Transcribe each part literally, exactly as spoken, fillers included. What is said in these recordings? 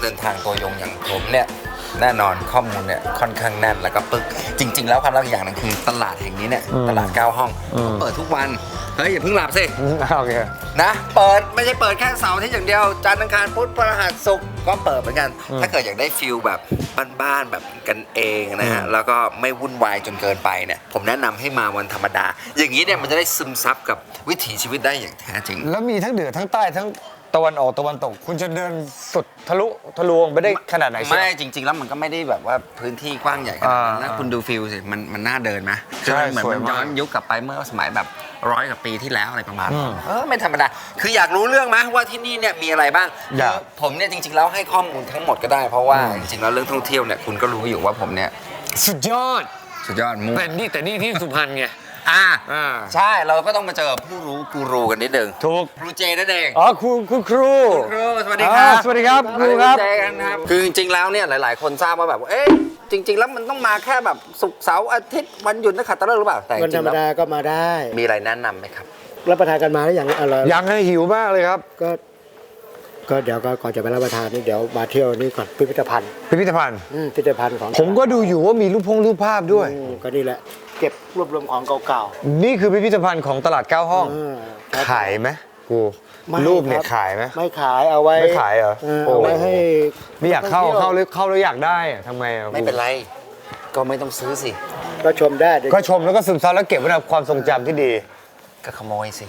เดินทางตัวยงอย่างผมเนี่ยแน่นอนข้อมูลเนี่ยค่อนข้างแน่นแล้วก็ปึกจริงๆแล้วความลับอย่างหนึงคือตลาดแห่งนี้เนี่ยตลาดเก้าห้องเปิดทุกวันเฮ้ยอย่าเพิ่งหลับสิโอเคนะเปิดไม่ใช่เปิดแค่เสาร์อาทิตย์อย่างเดียวจันทร์อังคารพุธพฤหัสศุกร์ก็เปิดเหมือนกันถ้าเกิดอยากได้ฟิลแบบบ้านๆแบบกันเองนะฮะแล้วก็ไม่วุ่นวายจนเกินไปเนี่ยผมแนะนำให้มาวันธรรมดาอย่างนี้เนี่ยมันจะได้ซึมซับกับวิถีชีวิตได้อย่างแท้จริงแล้วมีทั้งเหนือทั้งใต้ทั้งตะวันออกตะวันตกคุณจะเดินสุดทะลุทะลวงไปได้ขนาดไหนไม่จริงๆแล้วมันก็ไม่ได้แบบว่าพื้นที่กว้างใหญ่ขนาดนั้นนะคุณดูฟิลสิมันมันน่าเดินไหมใช่เหมือนมันย้อนยุคกลับไปเมื่อสมัยแบบร้อยกว่าปีที่แล้วอะไรประมาณนั้นเออไม่ธรรมดาคืออยากรู้เรื่องไหมว่าที่นี่เนี่ยมีอะไรบ้างผมเนี่ยจริงๆแล้วให้ข้อมูลทั้งหมดก็ได้เพราะว่าจริงๆแล้วเรื่องท่องเที่ยวเนี่ยคุณก็รู้อยู่ว่าผมเนี่ยสุดยอดสุดยอดมุกแต่นี่แต่นี่ที่สุพรรณไงอ่าใช่เราก็ต้องมาเจอผู้รู้กูรูกันนิดนึงถูกครูเจนั่นเองอ๋อครูคุณครูครูสวัสดีครับสวัสดีครับครูครับเจกันครับคือจริงๆแล้วเนี่ยหลายๆคนทราบว่าแบบเอ๊ะจริงๆแล้วมันต้องมาแค่แบบศุกร์เสาร์อาทิตย์วันหยุดนักขัตฤกษ์หรือเปล่าแต่วันธรรมดาก็มาได้มีอะไรแนะนำไหมครับรับประทานกันมาแล้วอย่างอร่อยยังให้หิวมากเลยครับก็ก็เดี๋ยวก็ก่อนจะไปรับประทานนี่เดี๋ยวมาเที่ยวนี่ก่อนพิพิธภัณฑ์พิพิธภัณฑ์พิพิธภัณฑ์ของผมก็ดูอยู่ว่ามีรูปพงรูปภาพด้วยก็นี่แหละเก็บรวบรวมของเก่าๆนี่คือพิพิธภัณฑ์ของตลาดเก้าห้องขายไหมกูรูปเนี่ยขายไหมไม่ขายเอาไว้ไม่ขายเหรอเอาไว้ให้ไม่อยากเข้าเข้าเลยเข้าแล้วอยากได้ทำไมไม่เป็นไรก็ไม่ต้องซื้อสิก็ชมได้ก็ชมแล้วก็ซึมซับแล้วเก็บไว้ในความทรงจำที่ดีก็ขโมยสิ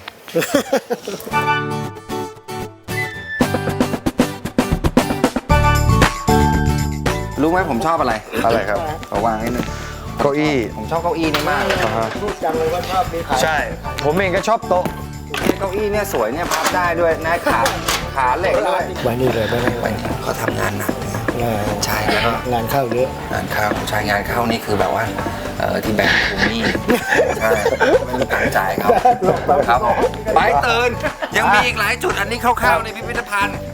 รู้ไหมผมชอบอะไรอะไรครับขอวางให้หนึ่งเก้าอี้ผมชอบเก้าอี้นี่มากพูดจังเลยว่าชอบมีขายใช่ผมเองก็ชอบโต๊ะเก้าอี้เนี่ยสวยเนี่ยพับได้ด้วยนะขาขาเหล็กด้วยไว้นี่เลยไม่ไว้เขาทำงานหนักใช่แล้วก็งานเข้าเยอะงานเข้าใช่งานเข้านี่คือแบบว่าเออที่แบงค์ทวงหนี้ใช่ไม่มีตังค์จ่ายเขาครับไปตื่นยังมีอีกหลายจุดอันนี้คร่าวๆในพิพิธภัณฑ์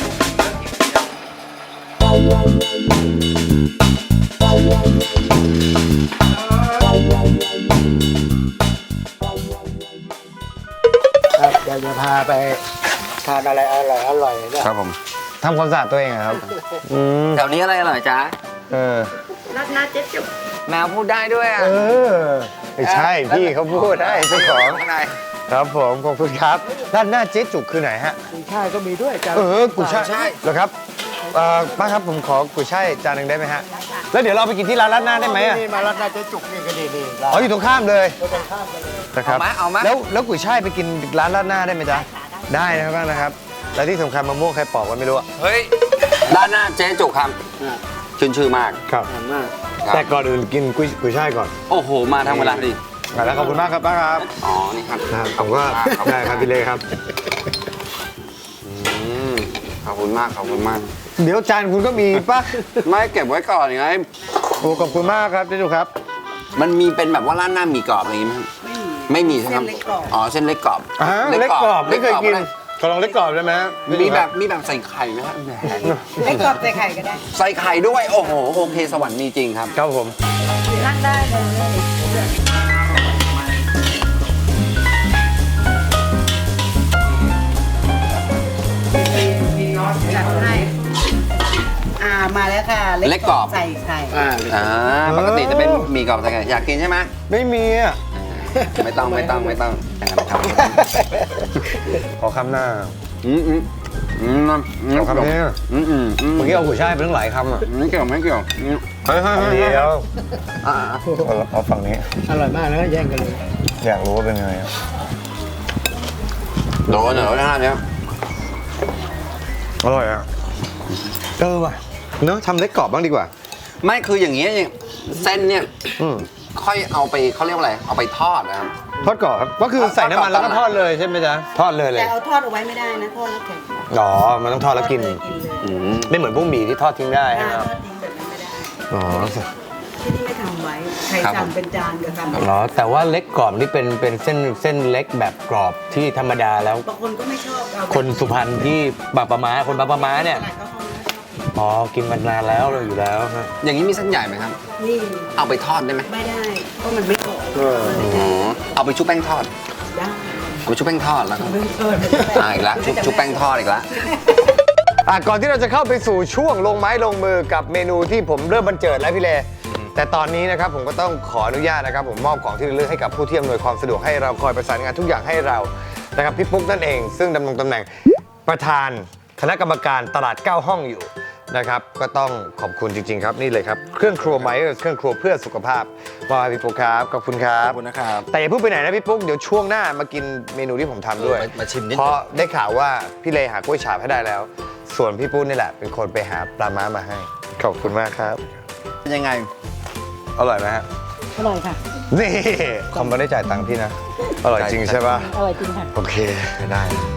ครับเดี๋ยวจะพาไปทานอะไรอร่อยอร่อยเนี่ยครับผมทำความสะอาดตัวเองครับแถวนี้อะไรอร่อยจ๊ะเออรัดหน้าเจ๊จุกแมวพูดได้ด้วยอ่ะเออไม่ใช่พี่เขาพูดได้เจ้าของครับผมขอบคุณครับด้านหน้าเจ๊จุกคือไหนฮะกุยช่ายก็มีด้วยจ้าเออกุยช่ายเหรอครับป้าครับผมขอกุยช่ายจานหนึ่งได้ไหมฮะแล้วเดี๋ยวเราไปกินที่ร้านรัดหน้าได้ไหมอ่ะนี่มารัดหน้าเจ๊จุกนี่ก็ดีดีอ๋ออยู่ตรงข้ามเลยตรงข้ามกันเลยนะครับเอามาแล้วแล้วกุยช่ายไปกินร้านรัดหน้าได้ไหมจ๊ะได้นะครับนะครับและที่สำคัญมะม่วงใครปอกกันไม่รู้เฮ้ยร้านหน้าเจ๊จุกครับชื่นชื่อมากครับแต่ก่อนอื่นกินกุยกุยช่ายก่อนโอ้โหมาทางเวลาดิแล้วขอบคุณมากครับป้าครับอ๋อนี่ครับผมก็ได้ครับพี่เล่ครับขอบคุณมากขอบคุณมากเดี๋ยวจานคุณก็มีป่ะไม่เก็บไว้ก่อนไงโอ้ขอบคุณมากครับเจ๊จุกครับมันมีเป็นแบบว่าร้านหน้ามีกรอบอะไรอย่างงี้ไหมไม่มีใช่ไหมอ๋อเส้นเล็กกรอบเล็กกรอบไม่เคยกินขอลองเล็กกรอบได้ไหมมีแบบมีแบบใส่ไข่ไหมครับเล็กกรอบใส่ไข่ก็ได้ใส่ไข่ด้วยโอ้โหโอเคสวรรค์มีจริงครับครับผมนั่งได้เลยจัดให้อ่ามาแล้วค่ะเล็กกรอบใส่ไข่อ่าปกติจะเป็นมีกรอบใส่ไข่อยากกินใช่ไหมไม่มีอ่ะไม่ต้องไม่ต้องไม่ต้องอย่างนั้นครับขอคำหน้าอืมอืมอืมขอคำนี้อืมอืมเมื่อกี้เอาหัวช่ายไปตั้งหลายคำอ่ะไม่เกี่ยวไม่เกี่ยวเฮ้ยเฮ้ยเดี๋ยวเอาฝั่งนี้อร่อยมากแล้วก็แย่งกันเลยอยากรู้ว่าเป็นไงโดนเหรอท่านเนี้ยอร่อยอ่ะเออว่ะเนอะทำเล็กกรอบบ้างดีกว่าไม่คืออย่างเงี้ยเส้นเนี่ยค่อยเอาไปเขาเรียกว่าอะไรเอาไปทอดนะครับทอดกรอบครับก็คือใส่น้ำมันแล้วก็ทอดเลยใช่ไหมจ๊ะทอดเลยเลยแต่เอาทอดเอาไว้ไม่ได้นะทอดแล้วแข็งอ๋อมันต้องทอดแล้วกินไม่เหมือนพวกหมี่ที่ทอดทิ้งได้ทอดทิ้งแบบนั้นไม่ได้อ๋อที่นี่ไม่ทำไว้ใครสั่งเป็นจานก็ทำอ๋อแต่ว่าเล็กกรอบนี่เป็นเป็นเส้นเส้นเล็กแบบกรอบที่ธรรมดาแล้วบางคนก็ไม่ชอบคนสุพรรณที่บางปะมาคนบางปะมาเนี่ยอ๋อกินมานานแล้วเลยอยู่แล้วครับอย่างนี้มีเส้นใหญ่ไหมครับนี่เอาไปทอดได้ไหมไม่ได้เพราะมันไม่กรอบอ๋อเอาไปชุบแป้งทอดได้เอาไปชุบแป้งทอดแล้วอ่าอีกแล้วชุบชุบแป้งทอดอีกแล้วอ่ะก่อนที่เราจะเข้าไปสู่ช่วงลงไม้ลงมือกับเมนูที่ผมเริ่มบรรเจิดแล้วพี่เลแต่ตอนนี้นะครับผมก็ต้องขออนุญาตนะครับผมมอบของที่ระลึกให้กับผู้ที่อำนวยความสะดวกให้เราคอยประสานงานทุกอย่างให้เรานะครับพี่ปุ๊กนั่นเองซึ่งดำรงตำแหน่งประธานคณะกรรมการตลาดเก้าห้องอยู่นะครับก็ต้องขอบคุณจริงๆครับนี่เลยครับเครื่องครัวไมเออร์เครื่องครัวเพื่อสุขภาพมอบให้พี่ปุ๊กครับขอบคุณครัขบอบคุณนะครับแต่อย่าเพิ่งไปไหนนะพี่ปุ๊กเดี๋ยวช่วงหน้ามากินเมนูที่ผมทำด้วยเออมามาชิมนิดนึงเพราะได้ข่าวว่าพี่เลหากล้วยฉาบให้ได้แล้ว ส่วนพี่ปุ๊กนี่แหละเป็นคนไปหาปลาม้ามาให้ขอบคุณมากครับเป็นยังไงอร่อยไหมฮะอร่อยค่ะนี่คอมไม่ได้จ่ายตังค์พี่นะ อร่อยจริงใช่ปะอร่อยจริงค่ะโอเคได้